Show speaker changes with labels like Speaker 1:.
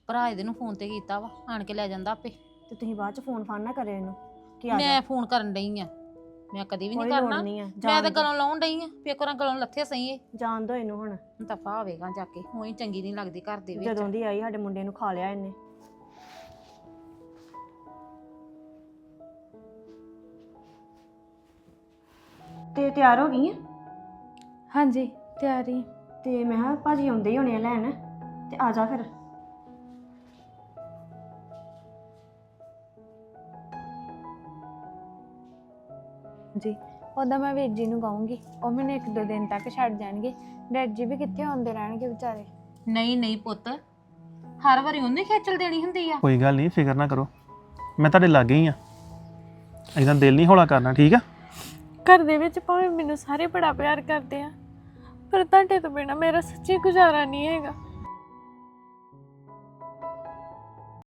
Speaker 1: ਭਰਾ ਇਹਦੇ ਨੂੰ ਫੋਨ ਤੇ ਕੀਤਾ ਵਾ, ਆਣ ਕੇ ਲੈ ਜਾਂਦਾ ਆਪੇ।
Speaker 2: ਤੇ ਤੁਸੀਂ ਬਾਅਦ ਚ ਫੋਨ ਫਾਨ ਨਾ ਕਰਿਓ ਇਹਨੂੰ ਕਿ ਆ ਜਾ।
Speaker 1: ਮੈਂ ਫੋਨ ਕਰਨ ਡਈ ਆ, ਮੈਂ ਕਦੀ ਵੀ ਨਹੀਂ
Speaker 2: ਕੋਈ ਲੋੜ
Speaker 1: ਕਰਨਾ।
Speaker 2: ਨਹੀਂ ਆ,
Speaker 1: ਮੈਂ ਤਾਂ ਗਲੋਂ ਲਾਉਣ ਡਈ ਆ, ਪੇਕਰਾਂ ਗਲੋਂ ਲੱਥੇ ਸਹੀ ਏ।
Speaker 2: ਜਾਣ ਦੋ ਇਹਨੂੰ ਹੁਣ,
Speaker 1: ਦਫਾ ਹੋਵੇਗਾ ਜਾ ਕੇ, ਉਹੀ ਚੰਗੀ ਨਹੀਂ ਲੱਗਦੀ ਘਰ ਦੇ ਵਿੱਚ।
Speaker 2: ਜਦੋਂ ਦੀ ਆਈ ਸਾਡੇ ਮੁੰਡੇ ਨੂੰ ਖਾ ਲਿਆ ਇਹਨੇ। ਤੇ ਤਿਆਰ ਹੋ ਗਈ ਆ?
Speaker 3: ਹਾਂਜੀ ਤਿਆਰੀ।
Speaker 2: ਤੇ ਮੈਂ ਕਿਹਾ ਭਾਜੀ ਆਉਂਦੇ ਹੀ ਹੋਣੇ ਆ ਲੈਣ, ਤੇ ਆ ਜਾ ਫਿਰ।
Speaker 3: ਜੀ ਉਹਦਾ ਮੈਂ ਵੀਰ ਜੀ ਨੂੰ ਕਹੂੰਗੀ, ਉਹ ਮੈਨੂੰ 1-2 ਦਿਨ ਤੱਕ ਛੱਡ ਜਾਣਗੇ। ਡੈਡ ਜੀ ਵੀ ਕਿੱਥੇ ਆਉਂਦੇ ਰਹਿਣਗੇ ਵਿਚਾਰੇ।
Speaker 1: ਨਹੀਂ ਨਹੀਂ ਪੁੱਤ, ਹਰ ਵਾਰੀ ਉਹਨੇ ਖੇਚਲ ਦੇਣੀ ਹੁੰਦੀ ਆ।
Speaker 4: ਕੋਈ ਗੱਲ ਨਹੀਂ, ਫਿਕਰ ਨਾ ਕਰੋ, ਮੈਂ ਤੁਹਾਡੇ ਲਾਗੇ ਹੀ ਆ। ਇਦਾਂ ਦਿਲ ਨਹੀਂ ਹੌਲਾ ਕਰਨਾ, ਠੀਕ ਆ?
Speaker 3: ਘਰ ਦੇ ਵਿੱਚ ਭਾਵੇਂ ਮੈਨੂੰ ਸਾਰੇ ਬੜਾ ਪਿਆਰ ਕਰਦੇ ਆ, ਪਰ ਤੁਹਾਡੇ ਤੋਂ ਬਿਨਾ ਮੇਰਾ ਸੱਚੀ ਗੁਜ਼ਾਰਾ ਨਹੀਂ ਹੈਗਾ।